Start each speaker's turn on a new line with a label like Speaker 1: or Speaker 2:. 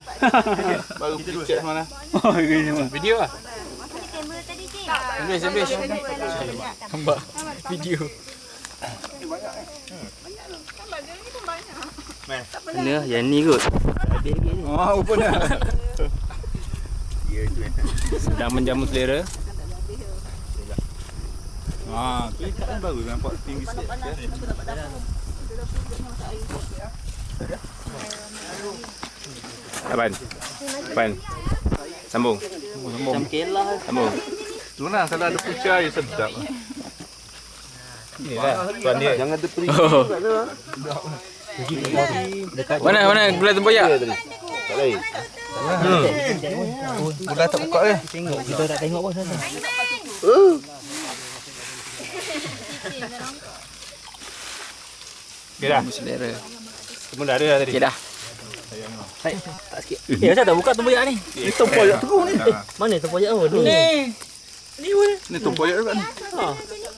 Speaker 1: Baru picture mana?
Speaker 2: Oh, ini semua.
Speaker 1: Video ah.
Speaker 3: Sambil.
Speaker 1: Nampak video.
Speaker 3: Mana yang ni kot. Habis lagi ni.
Speaker 2: Oh, apa dah?
Speaker 3: Sedang menjamu selera.
Speaker 2: Tu ikan baru nampak tinggi sikit.
Speaker 3: Apan. Sambung.
Speaker 1: Macam kelah.
Speaker 3: Sambung.
Speaker 2: Tu lah kalau ada pucah air sedap.
Speaker 1: Inilah tuan dia. Jangan ada peri.
Speaker 3: Oh. Mana gula tempoyak?
Speaker 1: Tak lain.
Speaker 2: Dah tak buka eh.
Speaker 1: Tengok kita tak tengok apa sana.
Speaker 2: Okey dah.
Speaker 3: Selera.
Speaker 2: Semua dah ada dah tadi.
Speaker 3: Okey dah.
Speaker 1: Hai, tak sikit. Macam tak buka tempoyak ni?
Speaker 2: Ni tempoyak terus ni.
Speaker 1: Mana tempoyak tu? Ni.
Speaker 2: Ni tempoyak dekat ni.
Speaker 1: Ha.